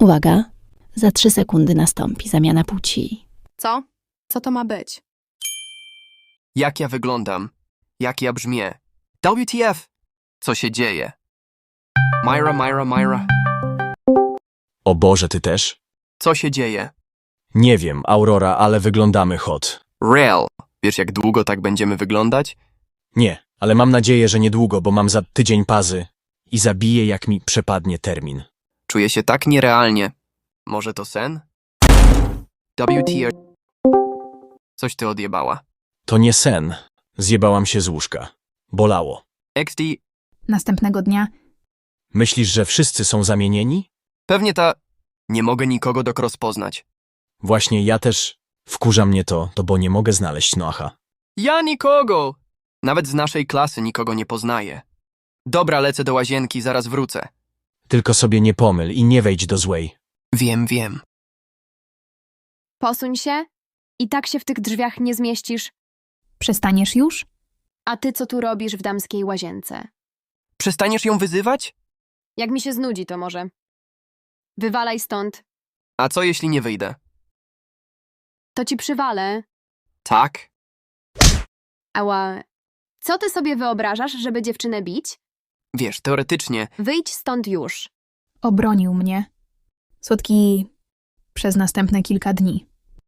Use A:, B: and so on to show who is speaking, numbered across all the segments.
A: Uwaga, za 3 sekundy nastąpi zamiana płci.
B: Co? Co to ma być?
C: Jak ja wyglądam? Jak ja brzmię? WTF? Co się dzieje? Myra.
D: O Boże, ty też?
C: Co się dzieje?
D: Nie wiem, Aurora, ale wyglądamy hot.
C: Real. Wiesz, jak długo tak będziemy wyglądać?
D: Nie, ale mam nadzieję, że niedługo, bo mam za tydzień pazy i zabiję, jak mi przepadnie termin.
C: Czuję się tak nierealnie. Może to sen? WTF? Coś ty odjebała.
D: To nie sen. Zjebałam się z łóżka. Bolało.
C: XD?
E: Następnego dnia
D: Myślisz, że wszyscy są zamienieni?
C: Pewnie ta... Nie mogę nikogo rozpoznać.
D: Właśnie ja też. Wkurza mnie to, bo nie mogę znaleźć Noacha.
C: Ja nikogo! Nawet z naszej klasy nikogo nie poznaję. Dobra, lecę do łazienki, zaraz wrócę.
D: Tylko sobie nie pomyl i nie wejdź do złej.
C: Wiem.
B: Posuń się. I tak się w tych drzwiach nie zmieścisz.
E: przestaniesz już?
B: A ty co tu robisz w damskiej łazience?
C: Przestaniesz ją wyzywać?
B: Jak mi się znudzi, to może. Wywalaj stąd.
C: A co jeśli nie wyjdę?
B: To ci przywalę.
C: Tak?
B: Ała. Co ty sobie wyobrażasz, żeby dziewczynę bić?
C: Wiesz, teoretycznie...
B: Wyjdź stąd już.
E: Obronił mnie. Słodki przez następne kilka dni.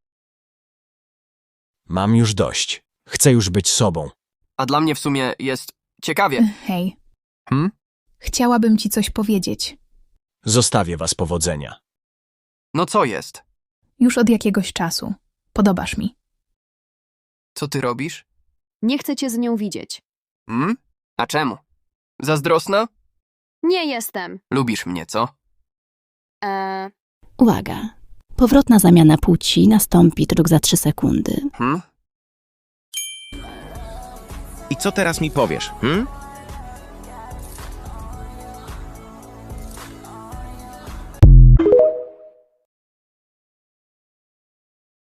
D: Mam już dość. Chcę już być sobą.
C: A dla mnie w sumie jest ciekawie.
E: Hej,
C: Hmm?
E: chciałabym ci coś powiedzieć.
D: Zostawię was powodzenia.
C: No co jest?
E: Już od jakiegoś czasu. Podobasz mi.
C: Co ty robisz?
B: Nie chcę cię z nią widzieć.
C: Hmm? A czemu? Zazdrosna?
B: Nie jestem.
C: Lubisz mnie, co?
A: Uwaga, powrotna zamiana płci nastąpi tylko za 3 sekundy.
C: Hmm?
F: I co teraz mi powiesz,